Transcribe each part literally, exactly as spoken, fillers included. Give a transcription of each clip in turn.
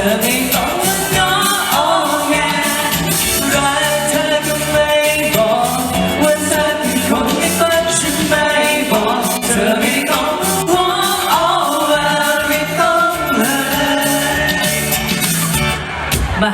อไม่ต้องมาง้ออ้อแงรักเธอก็ไม่บอกว่าเธอเป็นคนไม่ฝันฉันไม่บอกเธอไม่ต้องห่วงอ้อว่าไม่ต้องเลยมา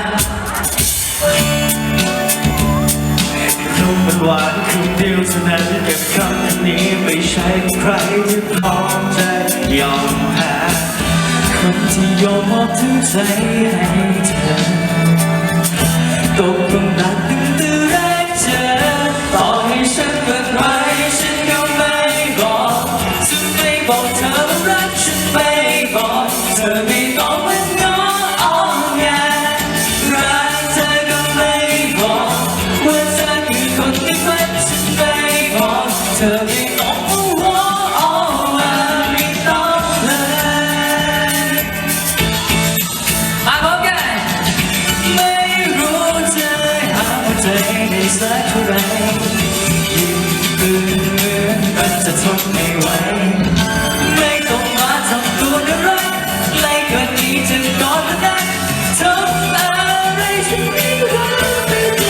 คำมันหวานคำเดียวเท่านั้นเก็บคำนี้ไม่ใช่ใครที่พร้อมจะยอมแพ้คนที่ยอมมอบทั้งใจให้เธอตกลงรักตั้งแต่แรกเจอต่อให้ฉันเกิดไรฉันก็ไม่บอกฉันไม่บอกเธอว่ารักฉันไม่บอกเธอไม่ต้องมาง้ออ้อแงรักเธอก็ไม่บอกว่าเธอคือคนที่ฝันฉันไม่บอกเธอไม่ต้องมาห่วงอ้อว่าไม่ต้องเลยมาพบกันไม่รู้จะหาใจได้สักเท่าไรยิ่งเบื่อมันจะทนไม่ไหวไม่ต้องมาทำตัวน่ารักไล่เกินนี้จะกอดแล้วนะทำอะไรฉันไม่รู้ไม่ได้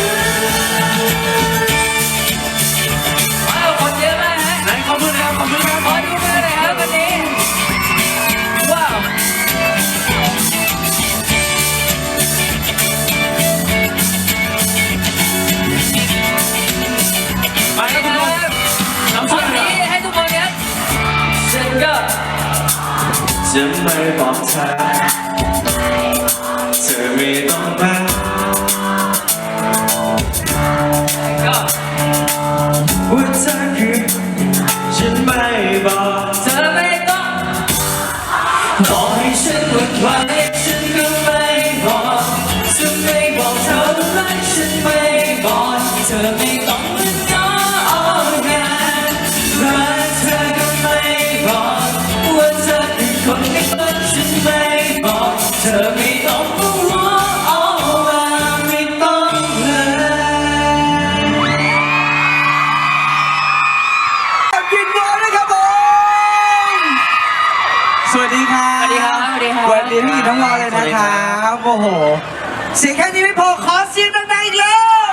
ว้าวคนเยอะมากฮะไหนขอบคุณครับขอบคุณครับขอดูมือหน่อยครับวันนี้ว้าวมาครับทุกคนน้ำส้มนี้ให้ทุกคนครับฉันก็จะไม่บอกเธอเธอไม่ต้องมาก็ว่าเธอคือฉันไม่บอกเธอไม่ต้องต่อให้ฉันหวั่นไหวฉันก็ไม่บอกฉันไม่บอกเธอว่ารักฉันไม่บอกเธอไม่ต้องมาง้ออ้อแงรักเธอก็ไม่บอกว่าเธอคือคนที่ฝันฉันไม่บอกเธอไม่ต้องมาห่วงอ้อว่าไม่ต้องเลยกินโบนะครับผม สวัสดีครับสวัสดีครับสวัสดีครับสวัสดีพี่กินน้องวอเลยนะครับโอ้โห เสียงแค่นี้ไม่พอ ขอเสียงดังๆอีกแล้ว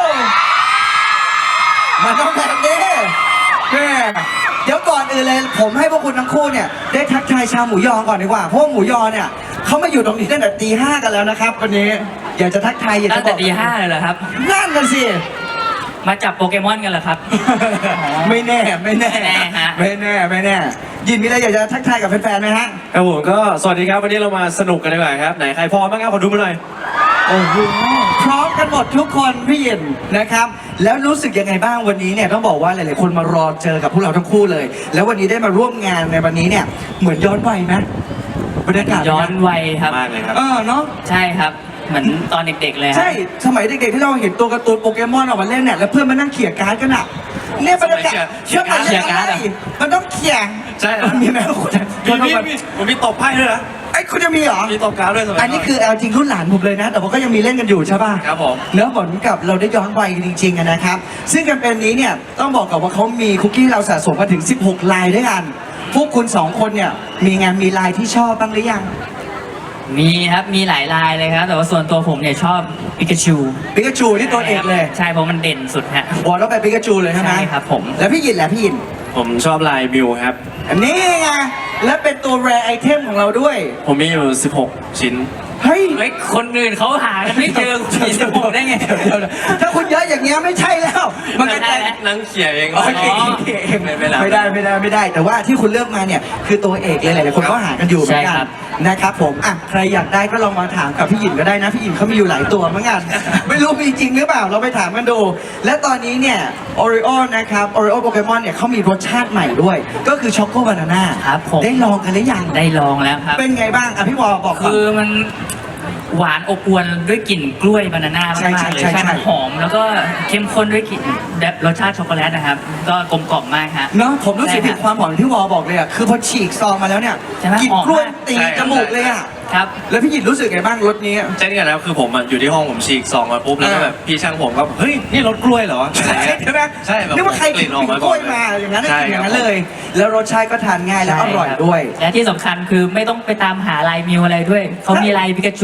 มันต้องแบบนี้แม่เดี๋ยวก่อนอื่นเลยผมให้พวกคุณทั้งคู่เนี่ยได้ทักทายชาวหมูยอก่อนดีกว่า เพราะว่าหมูยอเนี่ยเขามาอยู่ตรงนี้ตั้งแต่ตีห้ากันแล้วนะครับวันนี้ อยากจะทักทายอยากตั้จะงบแต่อกตีห้าเลยเหรอครับนั่นน่ะสิมาจับโปเกมอนกันเหรอครับไม่แน่ไม่แน่ไม่แน่ฮะไม่แน่ไม่แน่ยินมีอะไรอยากจะทักทายกับแฟนๆไหมฮะครับผมก็สวัสดีครับวันนี้เรามาสนุกกันดีกว่าครับไหนใครพร้อมบ้างครับขอดูมาหน่อยโอ้โหพร้อมกันหมดทุกคนพี่ยินนะครับแล้วรู้สึกยังไงบ้างวันนี้เนี่ยต้องบอกว่าหลายๆคนมารอเจอกับพวกเราทั้งคู่เลย แล้ววันนี้ได้มาร่วมงานในวันนี้เนี่ยเหมือนย้อนวัยไหมบรรยากาศย้อนวัยครับมากเลยครับเออเนาะใช่ครับ เหมือนตอนเด็กๆเลยฮะใช่สมัยเด็กๆที่เราเห็นตัวการ์ตูนโปเกมอนออกมาเล่นเนี่ยแล้วเพื่อนมานั่งเขี่ยการ์ดกันอ่ะเนี่ยบรรยากาศเขี่ยการ์ดเขี่ยการ์ดอะมันต้องเขี่ยใช่ครับมันมีไหมคุณมีมีมีผมมีตบไพ่ด้วยนะไอ้ยคุณจะมีเหรอมีตบการ์ดด้วยสมัยก่อันนี้คือเอาจริงรุ่นหลานผมเลยนะ แต่ว่าก็ยังมีเล่นกันอยู่ใช่ป่ะครับผมเนื้อเหมือนกับเราได้ย้อนวัยกันจริงๆอะนะครับ ซึ่งแคมเปญนี้เนี่ยต้องบอกกับว่าเขามีคุกกี้เราสะสมมาถึงสิบหกลายด้วยกัน พวกคุณสองคนเนี่ยมีงานมีลายที่ชอบบ้างหรือยังมีครับ มีหลายลายเลยครับ แต่ว่าส่วนตัวผมเนี่ยชอบปิกาชูปิกาจูนี่ตัวเอกเลยใช่เพราะมันเด่นสุดฮะวอลต้องไปปิกาจูเลยใช่ไหมใช่ครับผมแล้วพี่ยินแหละพี่ยินผมชอบลายมิวครับอันนี้ไงและเป็นตัวแรไอเทมของเราด้วยผมมีอยู่สิบหกชิ้นเฮ้ยเฮ้ย คนอื่นเขาหากันไม่เจอคุณมีสิบหกได้ไงเดี๋ยวๆถ้าคุณเยอะอย่างเงี้ยไม่ใช่แล้ว มันก็ไม่ได้จะแล้วนั่งเขียเองโอเคอ๋อโอเคไม่ไม่รับไม่ได้ไม่ได้ไม่ได้ แต่ว่าที่คุณเลือกมาเนี่ยคือตัวเอกเลยหลายๆคนก็หากันอยู่เหมือนใช่กัครันบนะครับผมอ่ะใครอยากได้ก็ลองมาถามกับพี่หยินก็ได้นะพี่หยินเขามีอยู่หลายตัวเหมือนกัน ไม่รู้มีจริงหรือเปล่าเราไปถามกันดู และตอนนี้เนี่ยโอริโอนะครับโอริโอโปเกมอนเนี่ยเขามีรสชาติใหม่ด้วย ก็คือช็อกโกบานาน่าครับผมได้ลองกันหรือยังได้ลองแล้วครับเป็นไงบ้างอ่ะพี่วอบอกก่อนคือมันหวานอบอวลด้วยกลิ่นกล้วยบานาน่าใช่มากๆเลยใช่ใช่ใช่มันหอม แล้วก็เข้มข้นด้วยกลิ่นแบบรสชาติช็อกโกแลตนะครับ ก็กลมกล่อมมากฮะเนาะผมรู้สึกถึงใช่ความหอมที่วอบอกเลยอ่ะคือพอฉีกซองมาแล้วเนี่ยใช่ไหมกลิ่นหอมมากกล้วยตีใช่จมูกเลยอ่ะครับแล้วพี่หยินรู้สึกไงบ้างรสนี้เช่นกันแล้วคือผมอะอยู่ที่ห้องผมฉีกซองมาปุ๊บแล้วก็แบบพี่ช่างผมก็เฮ้ยนี่รสกล้วยเหรออะไรเงี้ยใช่ไหมใช่แบบนึกว่าใครกลิ่นออกมากล้วยมาอย่างนั้นใช่อย่างคนั้รับนเลย แล้วรสชาติก็ทานง่ายและอร่อยด้วยและที่สำคัญคือไม่ต้องไปตามหาลายมิวอะไรด้วย เขามีลายปิกาจู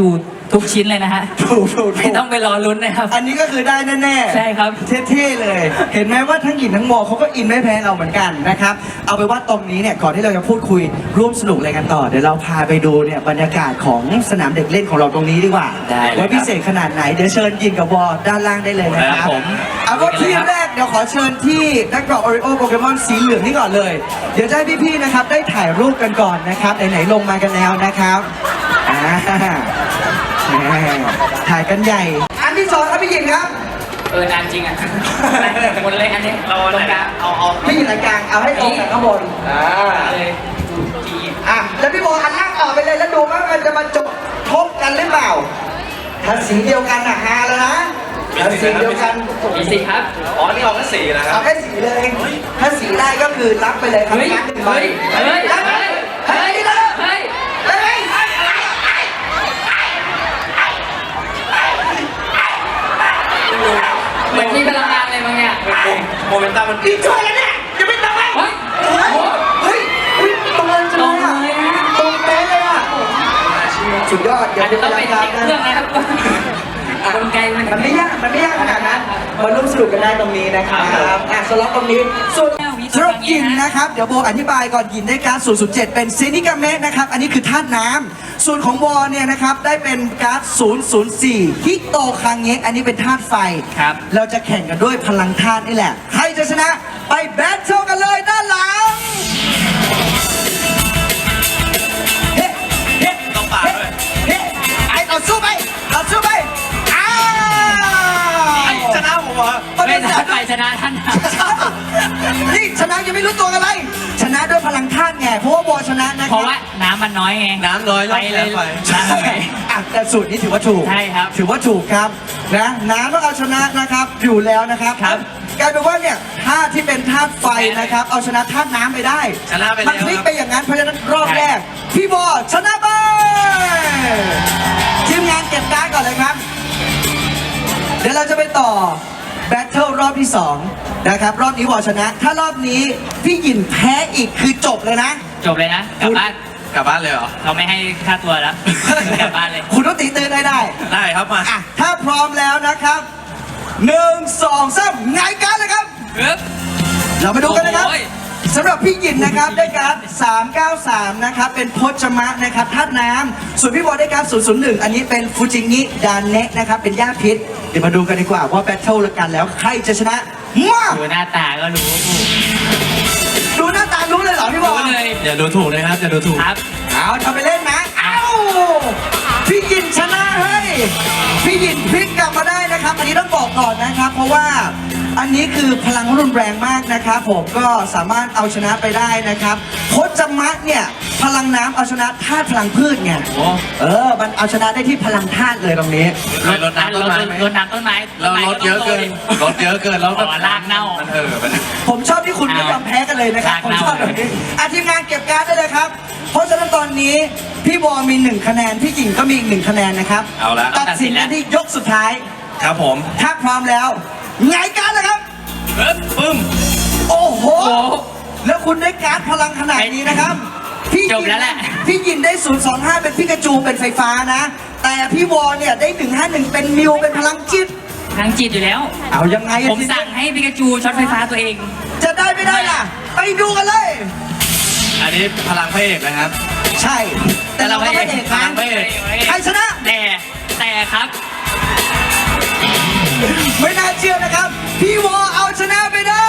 ทุกชิ้นเลยนะฮะถูกถูกไม่ต้องไปรอลุ้นนะครับอันนี้ก็คือได้แน่ๆใช่ครับเท่ๆเลย เห็นไหมว่าทั้งหยินทั้งโมเขาก็อินไม่แพ้เราเหมือนกันนะครับ เอาไปนว่าตรงนี้เนี่ยก่อนที่เราจะพูดคุยร่วมสนุกอะไรกันต่อ เดี๋ยวเราพาไปดูเนี่ยบรรยากาศของสนามเด็กเล่นของเราตรงนี้ดีกว่าได้เลยครับว่าพิเศษขนาดไหน เดี๋ยวเชิญยินกับวอด้านล่างได้เลยนะคครัรับบผมเอาว่าทีมแรกเดี๋ยวขอเชิญที่นักกรอกโอริโอโปเกมอนสีเหลืองนี่ก่อนเลย เดี๋ยวจะให้พี่ๆนะครับได้ถ่ายรูปกันก่อนนะครับไหนๆลงมากันแล้วนะครับอ่าแหมถ่ายกันใหญ่ อันที่สองครับพี่หญิงครับเออนานจริงอ่ะหมดเลยอันนี้เราตรงกลางเอาเอาพี่หญิงอันกลางเอาให้ตรงกับข้างบนอ่าเลยจีอ่ะแล้วพี่โบอันล่างออกไปเลยแล้วดูว่ามันจะมาจบทบกันหรือเปล่าถ้าสีเดียวกันอ่ะฮาแล้วนะถ้าสีเดียวกันมีสิครับอ๋อนี่เอาแค่สีนะครัเอาบแค่สีเลย ถ้าสีได้ก็คือรับไปเลยครับเฮ้ยรับหนึ่งใบเฮ้ยรับไปเฮ้ยเฮ้ยเฮ้ยเฮ้ยเฮ้ยเฮ้ยเหมือนมีพลังงานอะไรบางอย่างโมเมนตัมมันพี่ช่วยแล้วเนี่ยอย่าไปทำไมเฮ้ยโอ้โหเฮ้ยเฮ้ยตรงเลยจังเลยอ่ะตรงเลยนะตรงเป๊ะเลยอ่ะสุดยอดอาจจะต้องไปครัเช็คเครื่องนะครับกลไกมันมันไม่ยากมันไม่ยากขนาดนั้นมาร่วมสนุกกันได้ตรงนี้นะครับอ่ะสล็อตตรงนี้ส่วนสำหรับยินนะครับ เดี๋ยวโบอธิบายก่อนยินได้การ์ดศูนย์ศูนย์เจ็ดเป็นเซนิกาเมะนะครับ อันนี้คือธาตุน้ำส่วนของวอเนี่ยนะครับ ได้เป็นการ์ดศูนย์ศูนย์สี่ฮิโตคังเงะอันนี้เป็นธาตุไฟครับเราจะแข่งกันด้วยพลังธาตุนี่แหละ ใครจะชนะไปแบทเทิลกันเลยด้านหลังเฮ้เฮ้ต้องปาดด้วยเฮ้ไอ้ต่อสู้ไปต่อสู้ไปอ้าวชนะผมเหรอไม่ชนะไปชนะท่านนี่ชนะยังไม่รู้ตัวกันเลยชนะด้วยพลังธาตุไงเพราะว่าบอชนะนะคเพรับราะว่าน้ำมันน้อยไงน้ำน้อยรไปอบเลแล้วยไปใช่อ่ะแต่สูตรนี้ถือว่าถูกใช่ครับถือว่าถูกครับนะน้ำต้องเอาชนะนะครับอยู่แล้วนะครับครับกลายเป็นว่าเนี่ยธาตุที่เป็นธาตุไฟนะครับ เอาชนะธาตุน้ำไปได้ชนะไปแล้วมันพลิกไปอย่างนั้นเพราะฉะนั้นรอบใช่แรกพี่บอชนะไปทีมงานเก็บการ์ดก่อนเลยครับ เดี๋ยวเราจะไปต่อแบทเทิลรอบที่สองนะครับรอบนี้วอชนะ ถ้ารอบนี้พี่หยินแพ้อีกคือจบเลยนะจบเลยนะ กลับบ้านกลับบ้านเลยเหรอเราไม่ให้ค่าตัวแล้ว กลับบ้านเลยคุณต้องตีตื่นได้ได้ได้ครับมาอ่ะถ้าพร้อมแล้วนะครับหนึ่งสองสามไงายการดเลยครับปึ๊บเรามาดูกันนะครับโอ้ยสำหรับพี่หยินนะครับได้การ์ดสามเก้าสามนะครับเป็นพจมะนะครับธาตุน้ำส่วนพี่บอลได้การ์ดศูนย์ศูนย์หนึ่งอันนี้เป็นฟูจิงิดานเนะนะครับเป็นหญ้าพิษเดี๋ยวมาดูกันดีกว่าว่าแบทเทิลกันแล้วใครจะชนะมาดูหน้าตาก็รู้ดูหน้าตารู้เลยเหรอพี่บอรู้ลเลยอย่าดูถูกนะครับอย่าดูถูกครับเอาทำไปเล่นนะ เอ้า พี่ยินชนะเฮ้ย พี่ยินพลิกกลับมาได้นะครับ อันนี้ต้องบอกก่อนนะครับ เพราะว่าอันนี้คือพลังรุนแรงมากนะครับ ผมก็สามารถเอาชนะไปได้นะครับพจมะเนี่ยพลังน้ำเอาชนะธาตุพลังพืชไงโอ้เออ มันเอาชนะได้ที่พลังธาตุเลยตรงนี้เคยรดน้ำต้นไม้ไหมรดน้ำต้นไม้เราลดเยอะเกินลดเยอะเกินแล้วอ๋อรากเน่ามันเออมันผมชอบที่คุณไม่ยอมแพ้กันเลยนะครับ ผมชอบแบบนี้อาทีมงานเก็บการ์ดได้เลยครับ เพราะฉะนั้นตอนนี้พี่บอลมีหนึ่งคะแนน พี่หญิงก็มีอีกหนึ่งคะแนนนะครับเอาละตัดสินกันที่ยกสุดท้ายครับผมถ้าพร้อมแล้วไงายการ์ดเลยครับปึ๊บปึ้มโอ้โหโอ้โหแล้วคุณได้การ์ดพลังขนาดนี้นะครับ พี่จบแล้วแหละพี่ยินได้ศูนย์สองห้าเป็นพิกาจูเป็นไฟฟ้านะ แต่พี่วอลเนี่ยได้หนึ่งห้าหนึ่งเป็นมิวเป็นพลังจิตทางจิตอยู่แล้วเอายังไงอะผมสั่งให้ปิกาจูช็อตไฟฟ้าตัวเองจะได้ไม่ได้ล่ะ ไปดูกันเลยอันนี้พลังพระเอกนะครับใช่ แต่เราไม่ได้เอกพนะลังพระเอกใครชนะแต่แต่ครับไม่น่าเชื่อนะครับ พี่วอเอาชนะไปได้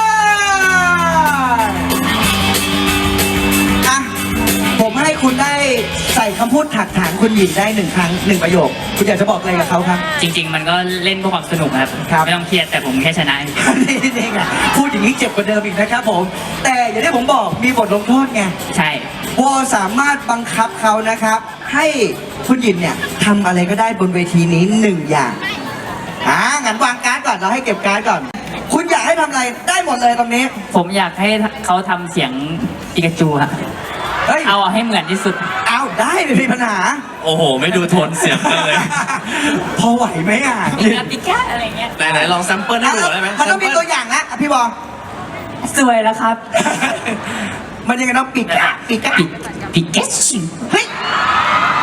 อะผมให้คุณได้ใส่คำพูดถักถางคุณหญิงได้หนึ่งครั้งหนึ่งประโยค คุณอยากจะบอกอะไรกับเขาครับจริง ๆ มันก็เล่นเพื่อความสนุกครับครับไม่ต้องเครียดแต่ผมแค่ชนะนี่นี่ไงพูดอย่างนี้เจ็บกว่าเดิมอีกนะครับผม แต่อย่างที่ผมบอกมีบทลงโทษไงใช่วอสามารถบังคับเขานะครับ ให้คุณหญิงเนี่ยทำอะไรก็ได้บนเวทีนี้หนึ่งอย่างอ่างั้นวางการ์ดก่อนเราให้เก็บการ์ดก่อน คุณอยากให้ทำอะไรได้หมดเลยตรงนี้ผมอยากให้เขาทำเสียงปิกาจูฮะเฮ้ยเอาให้เหมือนที่สุดเอาได้ไม่มีปัญหาโอ้โห ไม่ดูโทนเสียงกันเลยพอไหวไหมอ่ะปิกาปิกาอะไรเงี้ยไหนไหนลองแซมเปิลให้ดูได้ไหมมันต้องมีตัวอย่างนะอ่ะพี่บอลสวยแล้วครับมันยังไงต้องปิดกะปิดกะปิปิกาจูเฮ้ย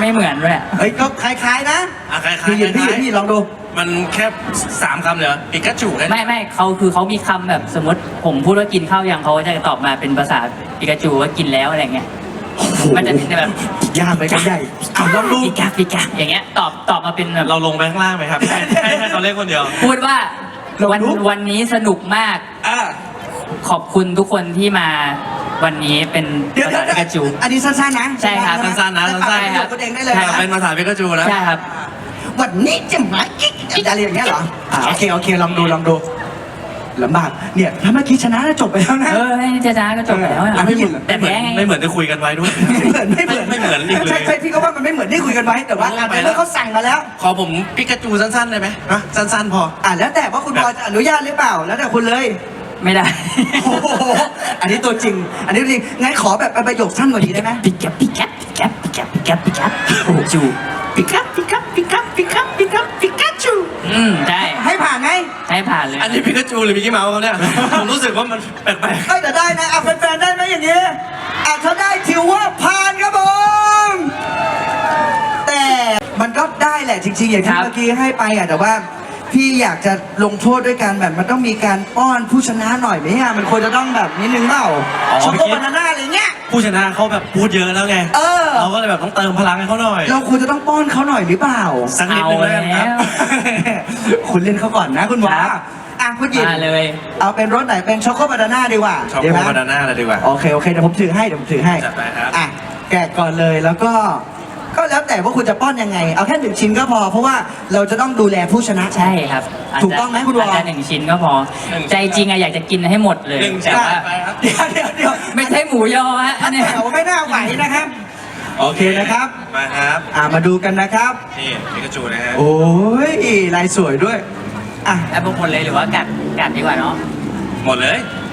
ไม่เหมือนด้วยเฮ้ยก็คล้ายๆนะอ่ะคล้ายๆพี่หยินพี่หยินคล้ายๆพี่ลองดูมันแค่สามคำเลยเหรอปิกาจูแค่นี้ไม่ไม่เขาคือเขามีคำแบบสมมติผมพูดว่ากินข้าวยังเขาจะตอบมาเป็นภาษาปิกาจูว่ากินแล้วอะไรเงี้ยมันจะเป็นแบบยากไปกันใหญ่อ่ะลองดูปิกาปิกาอย่างเงี้ยตอบตอบมาเป็นแบบเราลงไปข้างล่างไหมครับให้ให้ให้เขาเล่นคนเดียวพูดว่าลองวันดูวันนี้สนุกมากอ่ะขอบคุณทุกคนที่มาวันนี้เป็นเดี๋ยวภาเดี๋ยวษาปิกาจูอันนี้สั้นๆนะใช่ครับสั้นๆนะสั้นๆๆครับตัวเองได้เลยใช่นะเป็นภาษาปิกาจูนะใช่ครับวันนี้จะมากิ๊กอะไรอย่างเงี้ยเหรออ่าโอเคโอเคลองดูลองดูลำบากเนี่ยถ้าเมื่อกี้ชนะจบไปแล้วนะเออให้เจ้าๆก็จบแล้วอะแล้วไม่เหมือนแต่ไม่เหมือนแพ้ไงไม่เหมือนที่คุยกันไว้ด้วยไม่เหมือนไม่เหมือนไม่เหมือนอีกเลยใช่ใช่พี่ก็ว่ามันไม่เหมือนที่คุยกันไว้แต่ว่าเอออ่ะไปในแล้วเมื่อเขาสั่งมาแล้วขอผมปิกาจูสั้นๆได้ไหมฮะสั้นๆพออ่ะแล้วแต่ว่าคุณบอยจะอนุญาตหรือเปล่าแล้วแต่คุณเลยไม่ได้โอ้โหอันนี้ตัวจริง อันนี้ตัวจริงงั้นขอแบบเป็นประโยคสั้นกว่านี้ได้ไหมปิกาปิกาปิกาปิกาปิกาปิกาจูปิกัปิกัปิกัปิกัปิกัปิกาจูอืมได้ให้ผ่านไหมให้ผ่านเลยอันนี้ปิกาจูหรือมิกกี้เมาส์เขาเนี่ย ผมรู้สึกว่ามันแปลกเอ้ยแต่ได้นะอ่ะแฟนๆได้ไหมอย่างนี้อ่ะถ้าได้ถือว่าผ่านครับผม แต่มันก็ได้แหละจริงๆ อย่างที่ครับเมื่อกี้ให้ไปอ่ะแต่ว่า พี่อยากจะลงโทษด้วยการแบบมันต้องมีการป้อนผู้ชนะหน่อยไหมอ่ะมันควรจะต้องแบบนิดนึงเปล่าช็อกโกบานาน่าอะไรเงี้ยๆผู้ชนะเขาแบบพูดเยอะแล้วไงเออเราก็เลยแบบต้องเติมพลังให้เขาหน่อยเราควรจะต้องป้อนเขาหน่อยหรือเปล่าสักนิดนึงแล้วกันครับเอาแล้วคุณเล่นเขาก่อนนะคุณวาครับอ่ะคุณหยิบมาเลยเอาเป็นรสไหนเป็นช็อกโกบานาน่าดีกว่าช็อกดีโกไหมบานาน่าเลยดีกว่าโอเคโอเคเดี๋ยวผมถือให้เดี๋ยวผมถือให้จัดไปครับอ่ะแกะก่อนเลยแล้วก็ ก็แล้วแต่ว่าคุณจะป้อนยังไง เอาแค่หนึ่งชิ้นก็พอ เพราะว่าเราจะต้องดูแลผู้ชนะใช่ครับถูกต้องไหมคุณวออาจจะหนึ่งชิ้นก็พอหนึ่งใจจริงอะอยากจะกินให้หมดเลยหนึ่งแต่ชิ้นว่าไปครับเดี๋ยวเดี๋ยวเดี๋ยวไม่ใช่หมูยอฮะอันเนี้ยแถวไม่น่าไหวนะครับ โอเคนะครับมาครับอ่ะมาดูกันนะครับนี่ปิกาจูนะฮะโอ้ยลายสวยด้วยอ่ะเอาหมดเลยหรือว่ากัดกัดดีกว่าเนาะหมดเลย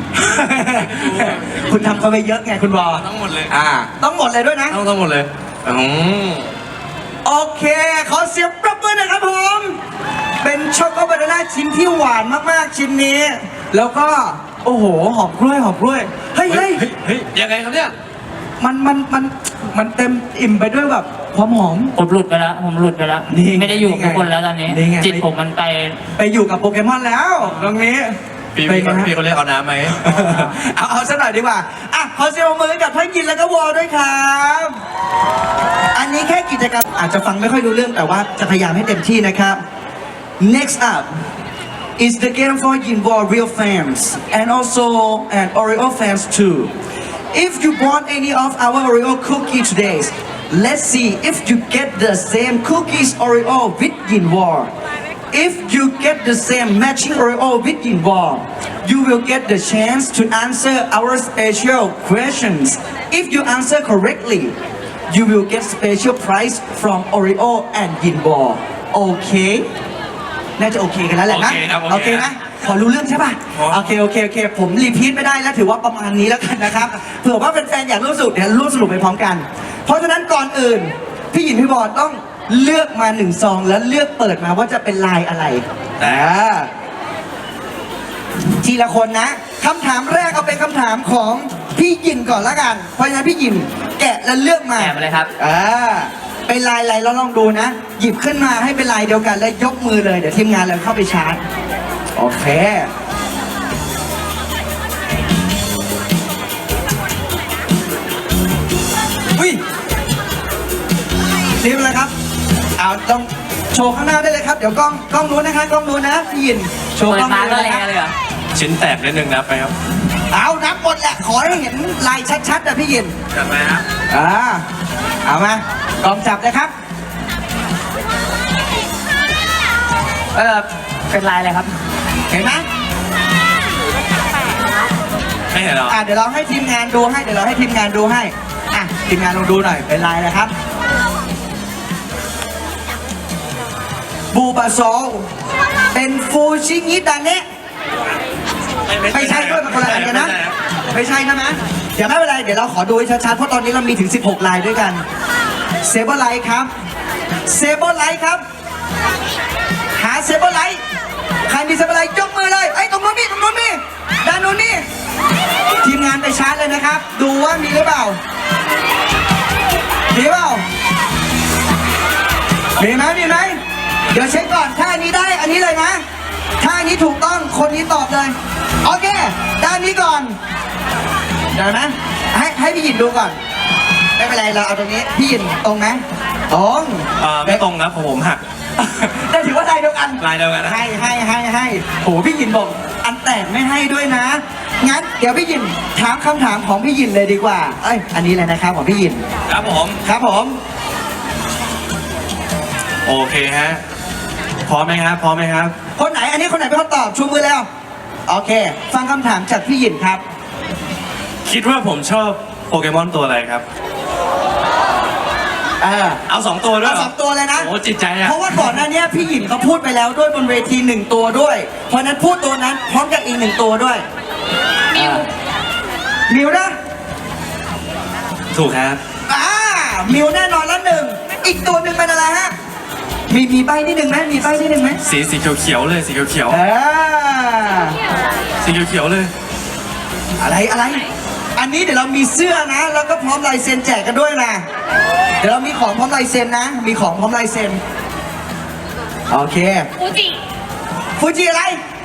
คุณทำเขาไปเยอะไงคุณวอทั้งหมดเลยอ่า ต้องหมดเลยด้วยนะต้องทั้งหมดเลยอืมโอเค ขอเสียงปรบมือหนะครับผม เป็นช็อกโกบานาน่าชิ้นที่หวานมากๆชิ้นนี้ แล้วก็ โอ้โห หอมกล้วยหอมกล้วย เฮ้ยเฮ้เฮ้ยยเฮ้ยเฮ้ยยังไงครับเนี่ยมันมันมันมันเต็มอิ่มไปด้วยแบบความหอมผมหลุดไปแล้วผมหลุดไปแล้วนี่ไงไม่ได้อยู่กับทุกคนแล้วตอนนี้นี่ไงจิตผมมันไปไปอยู่กับโปเกมอนแล้วตรงนี้พี่ไปพี่นะพี่เขาเรียกเอาน้ำไหมเอาเอาซะหน่อยดีกว่า อ่ะ ขอเสียงปรบมือกับทั้งยินแล้วก็วอด้วยครับ อันนี้แค่กิจกรรมอาจจะฟังไม่ค่อยรู้เรื่องแต่ว่าจะพยายามให้เต็มที่นะครับ Next up is the game for Yinbo real fans and also and Oreo fans too. If you bought any of our Oreo cookie today, let's see if you get the same cookies Oreo with Yinbo. If you get the same matching Oreo with Yinbo, you will get the chance to answer our special questions. If you answer correctly, you will get special prize from Oreo and Yinbo. Okay? น่าจะโอเคกันแล้วแหละนะโอเคครับโอโอเคเคนะพอรู้เรื่องใช่ป่ะพอโอเคโอเคโอเค ผมรีพีทไม่ได้แล้วถือว่าประมาณนี้แล้วกันนะครับ เผื่อว่าแฟนๆอยากร่วมสนุกเดี๋ยวร่วมสนุกไปพร้อมกัน เพราะฉะนั้นก่อนอื่น พี่หยินพี่บอลต้องเลือกมาหนึ่งซองแล้วเลือกเปิดมาว่าจะเป็นลายอะไรอ่าทีละคนนะคำถามแรกเอาเป็นคำถามของพี่หยินก่อนละกัน เพราะฉะนั้นพี่หยินแกะแล้วเลือกมาแกะมาเลยครับอ่าเป็นลายอะไรเราลองดูนะ หยิบขึ้นมาให้เป็นลายเดียวกันแล้วยกมือเลย เดี๋ยวทีมงานเราเข้าไปชาร์จ โอเค อุ้ยนี่เป็นอะไรครับเอาต้องโชว์ข้างหน้าได้เลยครับ เดี๋ยวกล้องกล้องนู้นนะคะกล้องนู้นนะพี่หยินโชว์เปิกล้ดองมานู้นก็นะแรงครับเลยเหรอชิ้นแตกนิดนึงนับไปครับเอานับหมดแหละ ขอให้เห็นลายชัดๆนะพี่หยินจัดไปครับอ่าเอามากล้องจับเลยครับเออเป็นลายอะไรครับเห็นไหมไม่เห็นหรออ่ะเดี๋ยวเราให้ทีมงานดูให้ เดี๋ยวเราให้ทีมงานดูให้ อ่ะทีมงานลองดูหน่อย เป็นลายอะไรครับ บูบาโซลเป็นฟูชิงิดาเนะไม่ใช่ด้วยมันคนละอันกันนะ ไม่ใช่นะนะเดี๋ยวไม่เป็นไร เดี๋ยวเราขอดูให้ชัดๆ เพราะตอนนี้เรามีถึง สิบหก ลายด้วยกัน เซเบอร์ไลท์ครับ เซเบอร์ไลท์ครับ หาเซเบอร์ไลท์ ใครมีเซเบอร์ไลท์ยกมือเลยไอ้ยตรงนู้นนี่ตรงนู้นนี่ด้านนู้นนี่ ทีมงานไปชาร์จเลยนะครับ ดูว่ามีหรือเปล่า มีหรือเปล่ามีไหมมีไหมเดี๋ยวเช็คก่อนถ้าอันนี้ได้อันนี้เลยนะถ้าอันนี้ถูกต้องคนนี้ตอบเลยโอเคด้านนี้ก่อนเดี๋ยวนะให้ให้พี่หยินดูก่อนไม่เป็นไรเราเอาตรงนี้พี่หยินตรงไหมตรงเอ่อไม่ตรงครับผมผมหักได้ถือว่าลายเดียวกันลายเดียวกันนะให้ให้ให้ให้โหพี่หยินบอกอันแตกไม่ให้ด้วยนะงั้นเดี๋ยวพี่หยินถามคำถามของพี่หยินเลยดีกว่าเอ้ยอันนี้เลยนะครับของพี่หยินครับผมครับผมโอเคฮะพร้อมไหมครับพร้อมไหมครับคนไหนอันนี้คนไหนเป็นคนตอบชูมือแล้วโอเค ฟังคำถามจากพี่หยินครับคิดว่าผมชอบโปเกมอนตัวอะไรครับเออเอาสองตัวด้วยเอาเหรสองตัวเลยนะโอ้จิตใจอะเพราะว่าก่อนหน้านี้พี่หยินเขาพูดไปแล้วด้วยบนเวทีหนึ่งตัวด้วย เพราะฉะนั้นพูดตัวนั้นพร้อมกับอีกหนึ่งตัวด้วยมิวมิวนะถูกครับอ่ามิวแน่นอนแล้วหนึ่งอีกตัวหนึ่งเป็นอะไรฮะมีมีใบนิดหนึ่งไหมมีใบนิดหนึ่งไหมสีสีเขียวๆเลยสีเขียวเออๆสีเขียวๆเลยอะไรอะไร อันนี้เดี๋ยวเรามีเสื้อนะ แล้วก็พร้อมลายเซ็นแจกกันด้วยนะเดี๋ยวเรามีของพร้อมลายเซ็นนะ มีของพร้อมลายเซ็นโอเคฟูจิฟูจิอะไร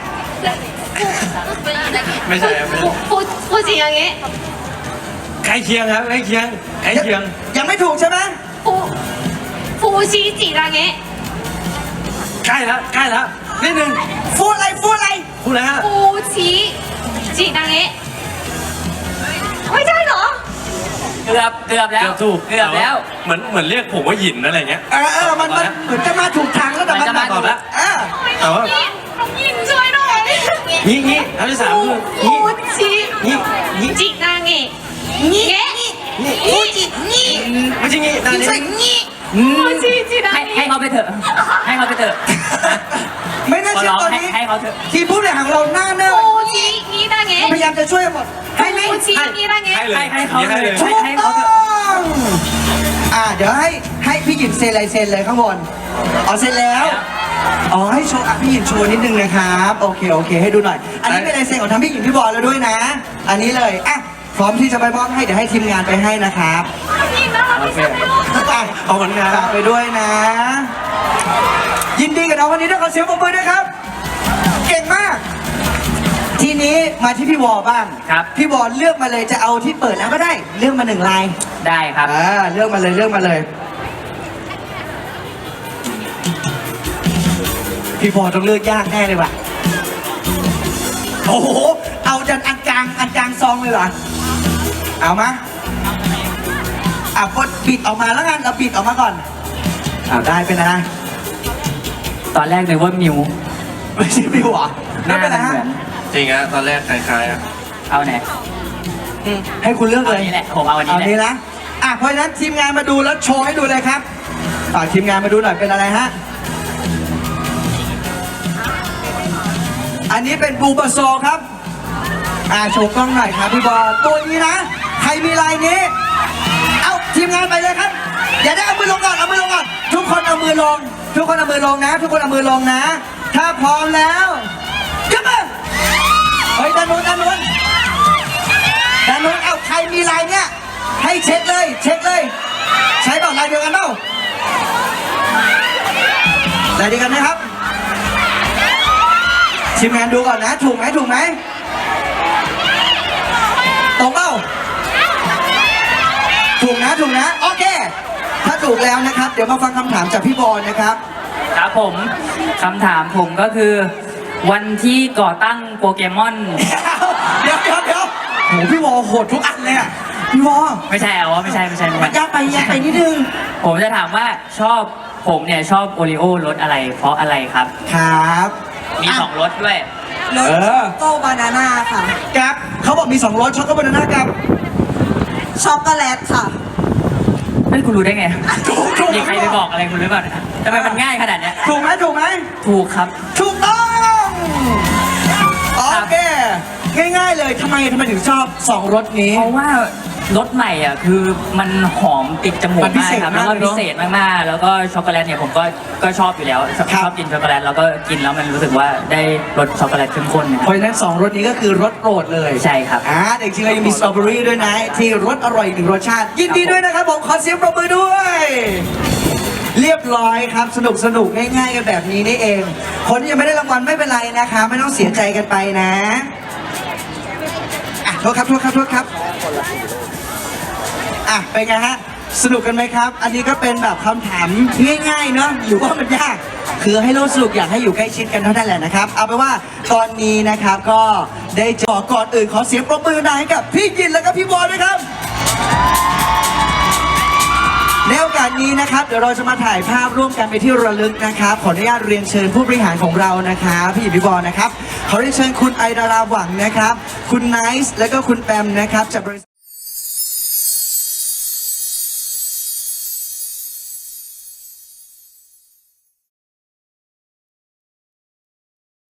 ไม่ใช่ครับไม่ใช่ฟูฟูจิอย่างเงี้ยใกล้เคียงครับใกล้เคียงใกล้เคียงยังไม่ถูกใช่ไหมฟูฟูชิจิอย่างเงี้ยใกล้แล้วใกล้แล้วนิดนึงฟูอะไรฟูอะไรพูดแล้วฮะฟูชิจิอย่างเงี้ยไม่ใช่เหรอเกือบเกือบแล้วเกือบถูกเกือบแล้วเหมือนเหมือนเรียกผมว่าหยินอะไรเงี้ยเออเออมันมันเหมือนจะมาถูกทางแล้วแต่มันมันจะมาถูกตอบแล้วเออแต่ว่าน้องยินช่วยหน่อยงี้งี้คำที่สามคือฟูงี้ชิงี้งี้จิอย่างเงี้ยเงี้ยฟูจิงี้ไม่ใช่งี้ตอนนี้งี้ฟูชิจิอย่างให้เงี้ให้ยเขาไปเถอะ ให้เขาไปเถอะไม่น่าขอเชื่อร้องตอนให้นี้ให้เขาเถอะทีมผู้บริหารของเราหน้าเนิ่ฟูชิงี้อย่างเงี้ยพยายามจะช่วยหมดให้ไหมฟูชิงี้อย่างเงี้ยให้เลยให้ให้เขาเลยให้ถูกให้ต้เขาอเถอะงอ่าเดี๋ยวให้ให้พี่หยินเซ็นลายเซ็นเลยข้างบนอ๋อเซ็นแล้วอ๋อให้โชว์อ่ะพี่หยินโชว์นิดนึงนะครับโอเคโอเคให้ดูหน่อย อันนี้เป็นลายเซ็นของทั้งพี่หยินพี่บอลแล้วด้วยนะ อันนี้เลยอ่ะพร้อมที่จะไปมอบให้เดี๋ยวให้ทีมงานไปให้นะครับยินน่ารักที่สุดในโลกไปขอบคุณครัฝาบกไปด้วยนะ ยินดีกับน้องคนนี้ด้วยขอเสียงปรบมือด้วยครับ เก่งมาก ทีนี้มาที่พี่วอบ้างครับพี่วอเลือกมาเลยจะเอาที่เปิดแล้วก็ได้เลือกมาหนึ่งลายได้ครับอ่าเลือกมาเลยเลือกมาเลย พี่วอต้องเลือกยากแน่เลยว่ะโอ้โหเอาจากอันกลางอันกลางซองเลยเหรอเอามาอ่ะกดบิดออกมาแล้วกันเราบิดออกมาก่อนเอาได้เป็นนะตอนแรกนึกว่ามิวไม่ใช่พี่วอหไม่น้าเป็นไรมันฮะเหมือนจริงฮะตอนแรกคล้ายๆอะเอาไหนให้คุณเลือกเอาเลยอันนี้แหละ ผมเอาอันเอานี้นี้แหละนะอ่ะเพราะฉะนั้นทีมงานมาดูแล้วโชว์ให้ดูเลยครับฝากทีมงานมาดูหน่อยเป็นอะไรฮะอันนี้เป็นบูบาโซครับอ่าโชว์กล้องหน่อยครับพี่บอลตัวนี้นะใครมีลายนี้ เอาทีมงานไปเลยครับอย่าได้เอามือลงก่อนเอามือลงก่อนทุกคนเอามือลง ทุกคนเอามือลงนะ ทุกคนเอามือลงนะ ถ้าพร้อมแล้วยกมือเฮ้ยด้านโน้นด้านโน้นด้านโน้นเอาใครมีลายเนี้ยให้เช็คเลย เช็คเลย ใช้เปล่าลายเดียวกันเปล่าลายเดียวกันไหมครับทีมงานดูก่อนนะ ถูกไหมถูกไหมตรงเปล่าถูกนะถูกนะโอเค ถ้าถูกแล้วนะครับ เดี๋ยวมาฟังคำถามจากพี่บอลนะครับครับผมคำถามผมก็คือ วันที่ก่อตั้งโปเกมอนเดี๋ยวเดี๋ยวเดี๋ยวโหพี่วอโหดทุกอันเลยอ่ะพี่วอไม่ใช่เอาวะไม่ใช่ไม่ใช่ไม่มันใช่ยากไปยากไปนิดนึงผมจะถามว่าชอบผมเนี่ยชอบโอริโอรสอะไร เพราะอะไรครับครับมีสองรสด้วยรสโกบานาน่าค่ะกับเขาบอกมีสองรสช็อกโกแลตบานาน่ากับช็อกโกแลตค่ะไม่คุณรู้ได้ไงถูกถูกมีใครไปบอกอะไรคุณหรือเปล่าทำไมมันง่ายขนาดเนี้ยถูกไหมถูกไหมถูกครับถูกต้องโอเคง่ายๆเลยทำไมทำไมถึงชอบสองรสนี้เพราะว่ารสใหม่อ่ะคือมันหอมติดจมูกมันพิมากเศษครับมาแล้กวก็เลยเนพิอะเศษมากๆ แล้วก็ช็อกโกแลตเนี่ยผมก็ก็ชอบอยู่แล้วชอบครับชอบกินช็อกโกแลตแล้วก็กินแล้วมันรู้สึกว่าได้รสช็อกโกแลตเข้มข้นนะคเพรับราะฉะนั้นสองรสนี้ก็คือรสโปรดเลยใช่ครับอ่าแต่จริงๆเรายังมีสตรอเบอรี่ด้วยนะ ที่รสอร่อยอีกหนึ่งรสชาติ ยินดีด้วยนะครับผมขอเสียงปรบมือด้วย เรียบร้อยครับ สนุกสนุกง่ายๆกันแบบนี้นี่เอง คนที่ยังไม่ได้รางวัลไม่เป็นไรนะคะไม่ต้องเสียใจกันไปนะอ่ะโทษครับโทษครับโทษครับอ่ะเป็นไงฮะสนุกกันไหมครับ อันนี้ก็เป็นแบบคำถามง่ายๆเนาะหรือว่ามันยากคือให้โลกสนุกอยากให้อยู่ใกล้ชิดกันเท่านั้นแหละนะครับเอาเป็นว่าตอนนี้นะครับก็ได้จอก่อนอื่นขอเสียงปรบมือหน่อยให้กับพี่ยินและก็พี่บอลด้วยครับในโอกาสนี้นะครับเดี๋ยวเราจะมาถ่ายภาพร่วมกันไปนที่ระลึกนะครับขออนุญาตเรียนเชิญผู้บริหารของเรานะครับพี่หยินพี่บอลนะครับขอเรียนเชิญคุณไอดาราหวังนะครับคุณไนซ์และก็คุณแปมนะครับจากบริษัท